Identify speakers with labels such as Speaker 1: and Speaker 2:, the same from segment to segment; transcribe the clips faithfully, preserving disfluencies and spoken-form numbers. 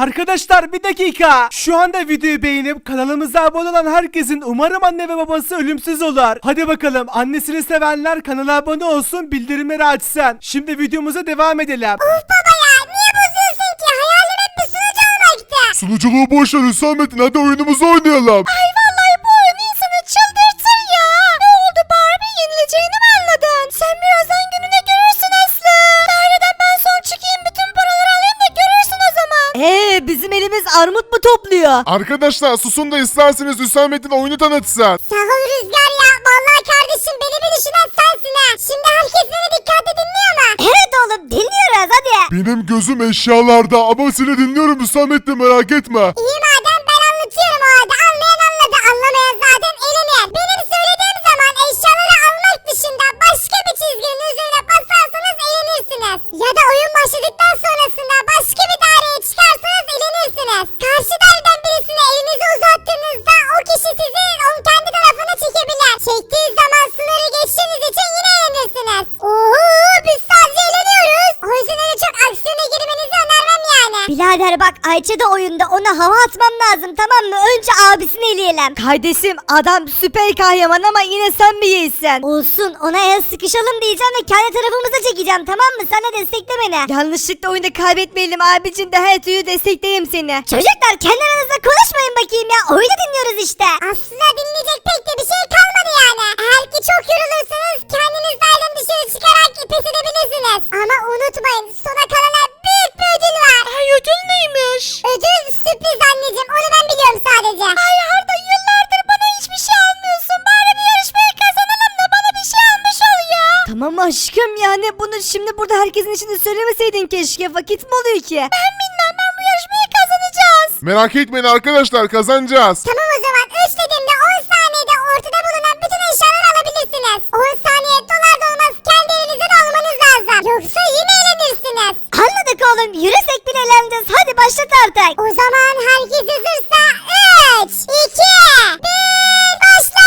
Speaker 1: Arkadaşlar bir dakika. Şu anda videoyu beğenip kanalımıza abone olan herkesin umarım anne ve babası ölümsüz olur. Hadi bakalım, annesini sevenler kanala abone olsun, bildirimleri açsın. Şimdi videomuza devam edelim.
Speaker 2: Of baba ya, niye bozuyorsun ki? Hayalim hep bir sunucu olmaktı.
Speaker 3: Sunuculuğu boş ver Hüsamettin, hadi oyunumuzu oynayalım.
Speaker 2: Ay vallahi bu oyun insanı çıldırtır ya. Ne oldu Barbie, yenileceğini mi anladın? Sen birazdan gününe görürsün Aslı. Daireden ben son çıkayım, bütün paraları alayım da görürsün o zaman.
Speaker 4: Eee bizim elimiz armut mu topluyor?
Speaker 3: Arkadaşlar susun da isterseniz Hüsamettin oyunu tanıtsın.
Speaker 2: Sağ ol Rüzgar ya. Vallahi kardeşim, beni bir düşünen sensin ha. Şimdi herkes beni dikkatle dinliyor mu? Evet oğlum, dinliyoruz hadi.
Speaker 3: Benim gözüm eşyalarda ama seni dinliyorum Hüsamettin, merak etme.
Speaker 2: İyi madem, ben anlatıyorum o halde. Anlayan anladı, anlamayan zaten elenir. Benim söylediğim zaman eşyaları almak dışında başka bir çizginin üzerine basarsanız elenirsiniz. Ya da oyun başladıktan sonrasında başka bir daireye çıkarsanız elenirsiniz. Karşı daireden birisine elinizi uzattığınızda o kişi sizi onun kendi tarafına çekebilir. Çektiği zaman sınırı geçtiğiniz için yine elenirsiniz. Ooo, biz sadece eğleniyoruz. O yüzden öyle çok aksiyona girmenizi önermem yani.
Speaker 4: Birader bak, Ayça da oyunda, ona hava atmam lazım, tamam mı? Önce abisini eleyelim. Kardeşim adam süper kahraman ama yine sen mi iyisin? Olsun, ona el sıkışalım diyeceğim ve kendi tarafımıza çekeceğim, tamam mı? Sen de destekle beni. Yanlışlıkla oyunda kaybetmeyelim abicim de, her türlü destekleyeyim seni. Çocuklar kendi aranızda konuşmayın bakayım ya, oyunu dinliyoruz işte.
Speaker 2: Aslında dinleyecek pek de bir şey kalmadı yani. Eğer ki çok yorulursanız kendiniz daireden dışarı çıkarak pes edebilirsiniz. Ama unutmayın, sona kalana büyük bir ödül var. Ay, ödül neymiş? Ödül sürpriz anneciğim, onu ben biliyorum sadece. Ay Arda, yıllardır bana hiçbir şey almıyorsun. Bari bir yarışmayı kazanalım da bana bir şey almış ol ya.
Speaker 4: Tamam aşkım, yani bunu şimdi burada herkesin içinde söylemeseydin keşke, vakit mi oluyor ki?
Speaker 2: Ben bilmem, ben bu yarışmayı kazanacağız.
Speaker 3: Merak etmeyin arkadaşlar, kazanacağız.
Speaker 2: Tamam o zaman, üç dediğimde on saniyede ortada bulunan bütün eşyaları alabilirsiniz. on saniye dolar dolmaz kendi elinizde de almanız lazım. Yoksa yine eğlenirsiniz.
Speaker 4: Anladık oğlum, yürüsek bile eğleneceğiz, hadi başlat artık.
Speaker 2: O zaman herkes hazırsa üç, iki, bir, başla!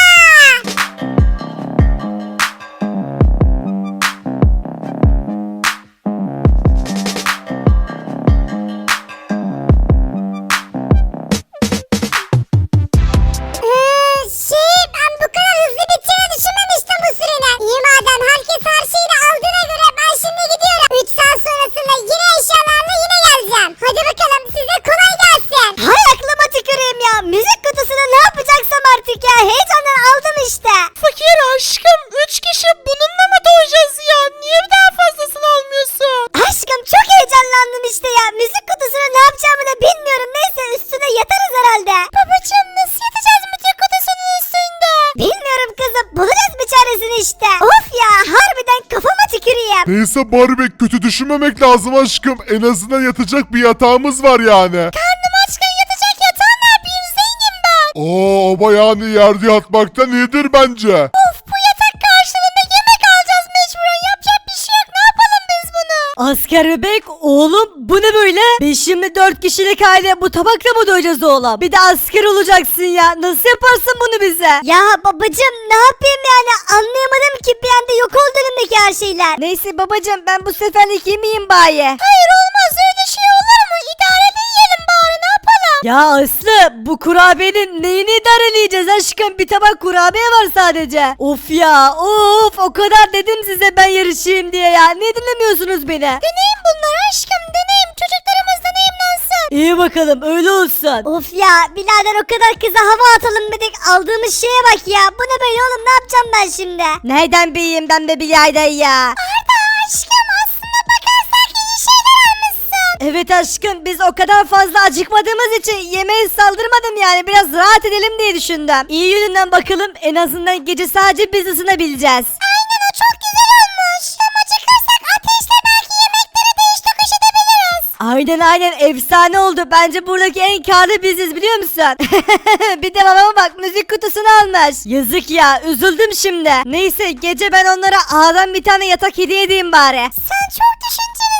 Speaker 2: Ee, şey, ben bu kadar hızlı biteceğini düşünmemiştim bu sürenin. İyi madem herkes her şeyi de aldığına göre ben şimdi gidiyorum. üç saat sonrasında yine eşyalarla yine geleceğim. Hadi bakalım, size kolay gelsin.
Speaker 4: Hay aklıma tüküreyim ya, müzik kutusunu ne yapacaksam artık ya, heyecandan aldım işte.
Speaker 5: Fakir aşkım, üç kişi bununla mı doyacağız ya? Niye daha fazlasını almıyorsun?
Speaker 4: Aşkım çok heyecanlandım işte ya, müzik kutusunu ne yapacağımı da bilmiyorum, neyse üstüne yatarız herhalde.
Speaker 2: Babacığım, nasıl yatacağız müzik kutusunun üstünde?
Speaker 4: Bilmiyorum kızım, bulacağız bir çaresini işte. Of ya, harbiden kafama tüküreyim.
Speaker 3: Neyse Barbie, kötü düşünmemek lazım aşkım. En azından yatacak bir yatağımız var yani.
Speaker 2: Karnım açken yatacak yatağı ne yapayım, zengin ben.
Speaker 3: Oo, ama yani yerde yatmaktan iyidir bence.
Speaker 2: Of, bu yatak karşılığında yemek alacağız mecburen, yapacak bir şey yok, ne yapalım biz bunu?
Speaker 4: Asker bebek, oğlum bu ne böyle? Biz şimdi dört kişilik aile bu tabakla mı doyacağız oğlum? Bir de asker olacaksın ya, nasıl yaparsın bunu bize? Ya babacım ne yapayım yani, anlayamadım ki, bir anda yok oldu önümdeki her şeyler. Neyse babacım, ben bu seferlik yemeyeyim bari.
Speaker 2: Hayır, olmaz öyle şey, olur mu? İdareli yiyelim bari, ne yapalım?
Speaker 4: Ya Aslı, bu kurabiyenin neyini idareleyeceğiz aşkım, bir tabak kurabiye var sadece. Of ya of, o kadar dedim size ben yarışayım diye ya, niye dinlemiyorsunuz beni?
Speaker 2: Deneyim bunlar aşkım, deneyim, çocuklarımız deneyimlensin.
Speaker 4: İyi bakalım, öyle olsun. Of ya birader, o kadar kıza hava atalım dedik, aldığımız şeye bak ya, bu ne böyle oğlum, ne yapacağım ben şimdi? Nereden bileyim ben be birader ya?
Speaker 2: Arda aşkım, aslında bakarsak iyi şeyler almışsın.
Speaker 4: Evet aşkım, biz o kadar fazla acıkmadığımız için yemeğe saldırmadım yani, biraz rahat edelim diye düşündüm. İyi yönünden bakalım, en azından gece sadece biz ısınabileceğiz.
Speaker 2: Aynen, o çok güzel olmuş. Tam acıkırsak ateşle belki yemekleri değiş tokuş edebiliriz.
Speaker 4: Aynen aynen, efsane oldu, bence buradaki en karlı biziz biliyor musun? Bir de babama bak, müzik kutusunu almış. Yazık ya, üzüldüm şimdi. Neyse, gece ben onlara A'dan bir tane yatak hediye edeyim bari.
Speaker 2: Sen çok düşüncelisin.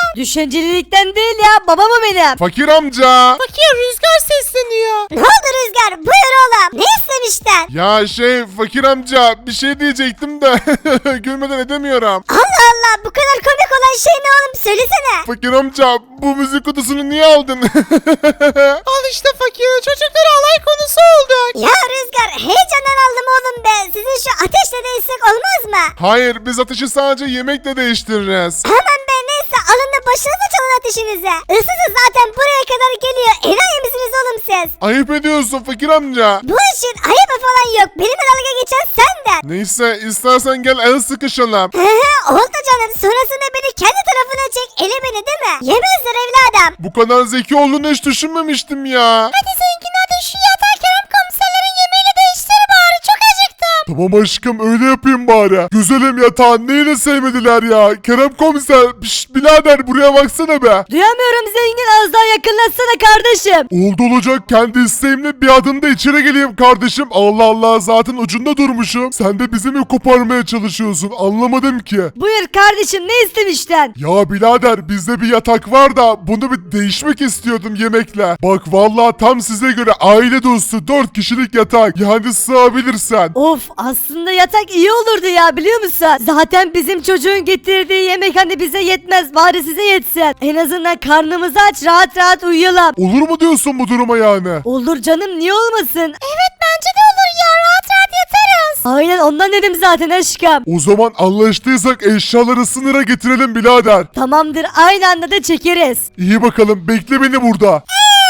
Speaker 4: Düşüncelilikten değil ya, babam o benim.
Speaker 3: Fakir amca.
Speaker 5: Fakir Rüzgar sesleniyor.
Speaker 4: Ne oldu Rüzgar? Buyur oğlum. Ne istemiştin?
Speaker 3: Ya şey fakir amca bir şey diyecektim de gülmeden edemiyorum.
Speaker 4: Allah Allah, bu kadar komik olan şey ne oğlum? Söylesene.
Speaker 3: Fakir amca bu müzik kutusunu niye aldın?
Speaker 5: Al işte fakir, çocuklar alay konusu olduk.
Speaker 4: Ya Rüzgar, heyecandan aldım oğlum be. Sizin şu ateşle değişsek olmaz mı?
Speaker 3: Hayır biz ateşi sadece yemekle değiştiririz.
Speaker 4: Aman be, neyse alın da başınıza çalın ateşinize. Isısı zaten buraya kadar geliyor. Enayi misiniz oğlum siz?
Speaker 3: Ayıp ediyorsun fakir amca.
Speaker 4: Bu işin ayıbı falan yok. Benimle dalga geçen senden.
Speaker 3: Neyse istersen gel el sıkışalım.
Speaker 4: He he, oldu canım. Sonrasında beni kendi tarafına çek. Ele beni değil mi? Yemezler evladım.
Speaker 3: Bu kadar zeki olduğunu hiç düşünmemiştim ya.
Speaker 4: Hadi zengin, hadi şu yatağı Kerem komiserlerin yemeğiyle değiştir bari. Çok acıktım.
Speaker 3: Tamam aşkım öyle yapayım bari. Güzelim yatağın neyini sevmediler ya. Kerem komiser pişt birader buraya baksana be.
Speaker 4: Duyamıyorum zengin, az daha yakınlaşsana kardeşim.
Speaker 3: Oldu olacak kendi isteğimle bir adımda içeri geleyim kardeşim. Allah Allah zaten ucunda durmuşum. Sen de bizi mi koparmaya çalışıyorsun anlamadım ki.
Speaker 4: Buyur kardeşim, ne istemiştin?
Speaker 3: Ya birader bizde bir yatak var da bunu bir değişmek istiyordum yemekle. Bak vallahi tam size göre aile dostu dört kişilik yatak. Yani sığabilirsen.
Speaker 4: Of, aslında yatak iyi olurdu ya, biliyor musun? Zaten bizim çocuğun getirdiği yemek hani bize yetmez, bari size yetsin. En azından karnımızı aç, rahat rahat uyuyalım.
Speaker 3: Olur mu diyorsun bu duruma yani?
Speaker 4: Olur canım, niye olmasın?
Speaker 2: Evet bence de olur ya, rahat rahat yatarız.
Speaker 4: Aynen ondan dedim zaten aşkım.
Speaker 3: O zaman anlaştıysak eşyaları sınıra getirelim birader.
Speaker 4: Tamamdır, aynı anda da çekeriz.
Speaker 3: İyi bakalım bekle beni burada.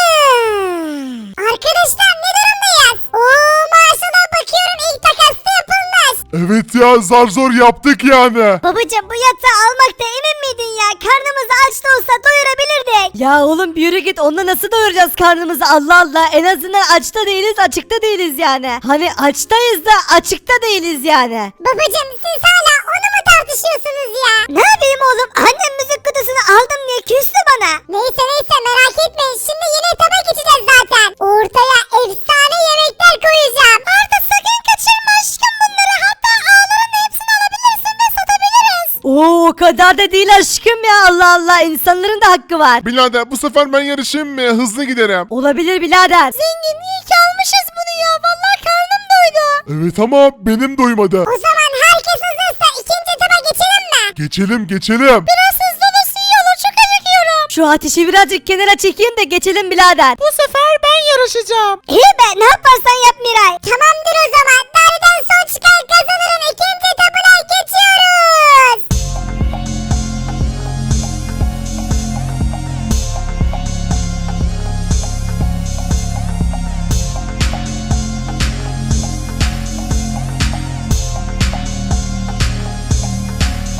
Speaker 2: Hmm. Arkadaşlar ne durumdayız? Oo maaşına bakıyorum ilk takasta yapılmış.
Speaker 3: Evet ya zar zor yaptık yani.
Speaker 4: Babacım, bu yatağı almakta emin miydin ya? Karnımız aç da olsa doyurabilirdik. Ya oğlum bir yürü git, onunla nasıl doyuracağız karnımızı? Allah Allah, en azından açta değiliz, açıkta değiliz yani. Hani açtayız da açıkta değiliz yani.
Speaker 2: Babacım siz hala onu mu tartışıyorsunuz ya?
Speaker 4: Ne yapayım oğlum? Annem müzik kutusunu aldım diye küstü bana.
Speaker 2: Neyse neyse merak etmeyin şimdi yeni etaba geçeceğiz zaten. Ortaya efsane yemekler koyacağım. Arda sakın kaçırma aşkım bunları, hatta ağların hepsini alabilirsin ve satabiliriz.
Speaker 4: Oo, o kadar da değil aşkım ya, Allah Allah, insanların da hakkı var.
Speaker 3: Birader bu sefer ben yarışayım mı? Hızlı giderim.
Speaker 4: Olabilir birader.
Speaker 2: Zengin iyi ki almışız bunu ya, vallahi karnım doydu.
Speaker 3: Evet ama benim doymadı.
Speaker 2: O zaman herkes hazırsa ikinci etaba geçelim mi?
Speaker 3: Geçelim geçelim.
Speaker 2: Biraz hızlı olursa iyi olur, çok acıkıyorum.
Speaker 4: Şu ateşi birazcık kenara çekeyim de geçelim birader.
Speaker 5: Bu sefer ben yarışacağım.
Speaker 4: İyi be, ne yaparsan yap Miray.
Speaker 2: Tamamdır o zaman, nereden son çıkan kazanır